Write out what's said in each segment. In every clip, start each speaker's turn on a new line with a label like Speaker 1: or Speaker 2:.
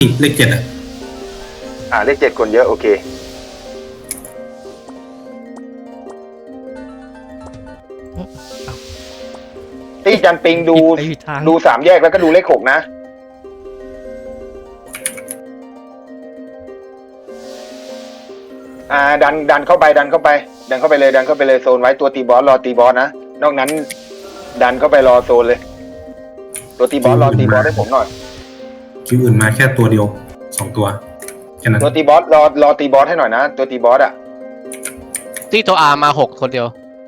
Speaker 1: เลขเจ็ดอ่ะ
Speaker 2: เลขเจ็ดคนเยอะโอเคที่จันปิงดูสามแยกแล้วก็ดูเลขหกนะดันเข้าไปเลยโซนไว้ตัวตีบอสรอตีบอสนะนอกนั้นดันเข้าไปรอโซนเลยตัวตีบอสรอตีบอสให้ผมหน่อย
Speaker 1: คิวอื่นมาแค่ตัวเดียว2 ตัวแค่นั้น
Speaker 2: ตัวตีบอสรอตีบอสให้หน่อยนะตัวตีบอส
Speaker 3: ที่ตัวมา6 คนเดียว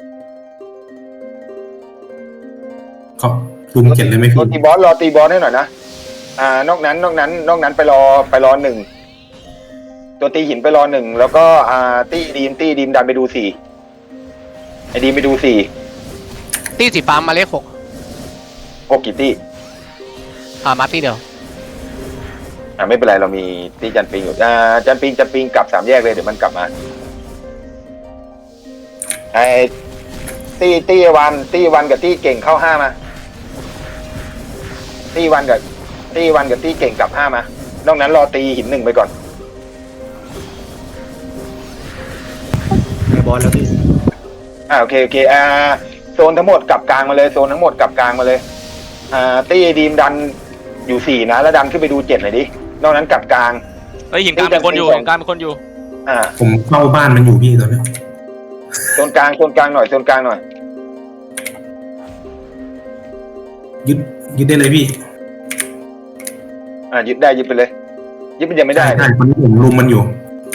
Speaker 1: เขาลุม7เลยไหมพี่
Speaker 2: ตัวตีบอสรอตีบอสให้หน่อยนะนอกนั้นไปรอ1ตัวตีหินไปรอ1แล้วก็ตีดีมดันไปดู4ไอ้ดีมไปดู4
Speaker 3: ตีสีฟ้ามาเลข
Speaker 2: 6กี่ตี
Speaker 3: มาตีเดียว
Speaker 2: ไม่เป็นไรเรามีตีจันปิงอยู่จันปิงกลับ3 แยกเลยเดี๋ยวมันกลับมาไอ้ตีวันกับตีเก่งเข้า5มาตีวันกับตีเก่งกลับ5มานอกนั้นรอตีหิน1ไปก่อน
Speaker 4: บอลแล้วพี่
Speaker 2: โอเคโซนทั้งหมดกลับกลางมาเลยตีดีมดันอยู่4นะแล้วดันขึ้นไปดู7หน่อยดินอกนั้นกลับกลาง
Speaker 5: หินกลางเป็นคนอยู่
Speaker 1: ผมเข้าบ้านมันอยู่พี่ตอนนี้
Speaker 2: โซนกลางหน่อย
Speaker 1: ยึดได้เลยพี่
Speaker 2: ยึดได้ยึดไปเลยยึดมันยังไม่ได้
Speaker 1: ใช่คนนี้ผมลุมมันอยู่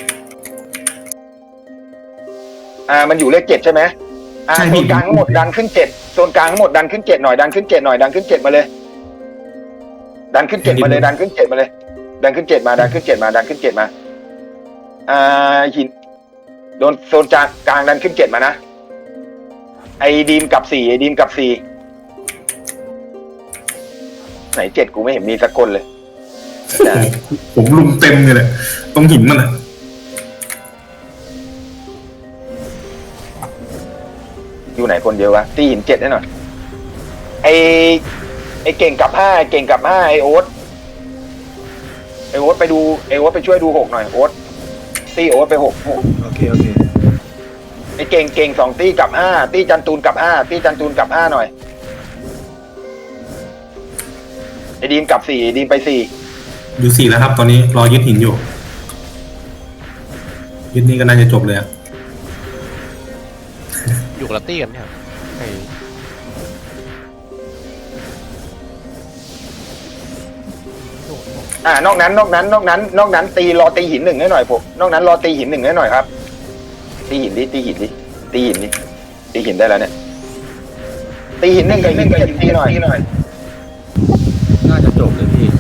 Speaker 2: มันอยู่เลข7ใช่ไหมโซนกลางทั้งหมดดันขึ้น7โซนกลางทั้งหมดดันขึ้น7หน่อยดันขึ้น7มาเลยดันขึ้น7มาเลยหินโดนโซนกลางดันขึ้น7มานะไอ้ดีมกับ4ไหน7กูไม่เห็นมีสักคนเลย
Speaker 1: ผมลุมเต็มเลยแหละตรงหินมัน
Speaker 2: อยู่ไหนคนเดียววะตีหิน7ให้หน่อยไอ้เก่งกับ5ไอ้โอ๊ตไปดูไปช่วยดู6หน่อยโอ๊ตตีโอ๊ตไป6
Speaker 4: โอเค
Speaker 2: ไอ้เก่ง2ตีกับ5ตีจันตูนกับ5หน่อยไอ้ดีมกับ4ดีมไป4
Speaker 1: อยู่4แล้วครับตอนนี้รอยึดหินอยู่ยึดนี่ก็น่าจะจบเลย
Speaker 3: อยู่กับตี้กันครับ
Speaker 2: นอกนั้นรอตีหิน1ให้หน่อยผมนอกนั้นรอตีหิน1ให้หน่อยครับตีหินได้แล้วเนี่ยตีหิน1กับหิน7ตีหน่อย
Speaker 4: น่าจะจบเลยพี่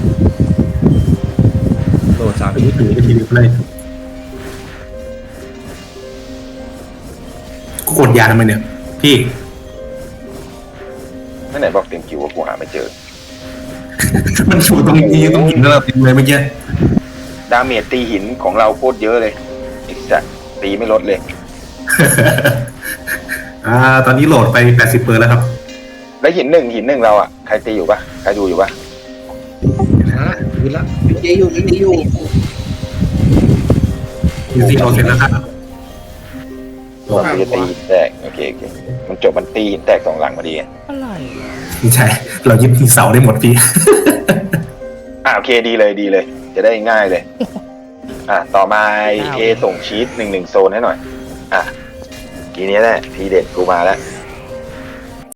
Speaker 4: โหลด3
Speaker 1: ถือไปทีเดียวเลยกดยาทำไมเนี่ยพี่
Speaker 2: ไหนบอกเต็มคิวว่ากูหาไม่เจอ
Speaker 1: มันสูตรงนี้ต้องหินแล้วเต็มเลยเมื่อกี้
Speaker 2: ดาเมจตีหินของเราโคตรเยอะเลยอีกสัตว์ตีไม่ลดเลย
Speaker 1: ตอนนี้โหลดไป80%แล้วครับ
Speaker 2: แล้วหินหนึ่งเราใครตีอยู่ปะใครดูอยู่ปะ
Speaker 4: ยืนละอยู่
Speaker 1: ที่เราเสร็จแล้วครับ
Speaker 2: ตีแตกโอเคมันจบมันตีหินแตก2 หลังพอดี
Speaker 3: อะไร
Speaker 1: ไม่ใช่เรายึดเสาได้หมดพี่
Speaker 2: โอเคดีเลยจะได้ง่ายเลยต่อมาส่งชีต1 โซนให้หน่อยทีนี้แหละทีเด็ดกูมาแล้ว